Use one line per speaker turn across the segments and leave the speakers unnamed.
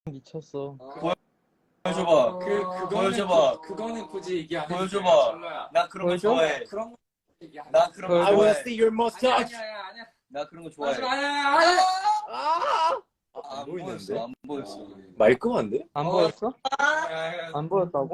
미쳤어.
보여줘봐.
그거는 굳이 얘기 안 해도
보여줘봐. 나 그런 거
보여줘?
좋아해.
그런 거 얘기 안
나 그런 거
보여줘?
I wanna
좋아해.
see your mustache.
아니야.
나 그런 거 좋아해.
아니야.
안
보이는데?
보였어. 안 보였어.
말끔한데?
안 보였어? 안 보였다고?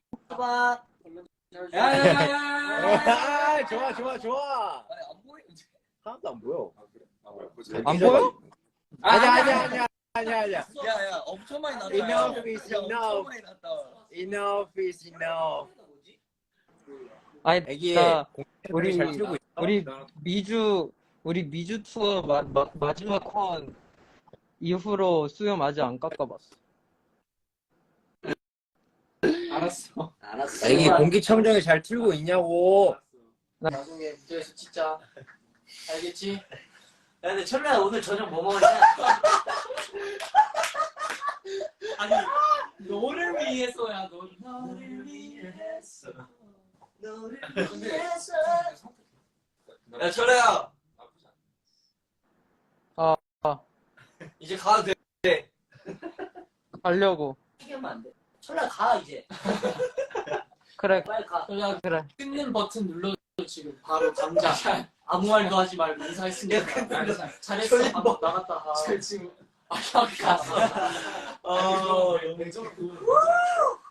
야야야야.
좋아.
아니 안 보이는데.
하나도 안 보여.
안 보여?
아니야.
야야 엄청 많이 났다.
Enough is
야, 엄청
enough.
많이 났다.
Enough is enough.
아니,
애기
나
우리 잘 틀고 있어?
우리 미주 투어 마지막 콘 이후로 수염 아직 안 깎아봤어.
알았어.
애기 공기청정기 잘 틀고 있냐고.
나중에 무대에서 진짜 알겠지?
야, 근데 철래야 오늘 저녁 뭐 먹었냐? 아니, 너를 위해서야, 너를 위해서. 너를 위해서. 야, 철래야.
아.
이제 가도 돼.
가려고.
튀기면 안 돼. 철래야, 가, 이제.
그래,
빨리 가.
야,
그래.
끊는 버튼 눌러 지금 바로 당장.
아무 말도 하지 말고 인사했으니까. 잘했어. 방금 나갔다 가.
지금
아, 형 갔어.
너무 좋고.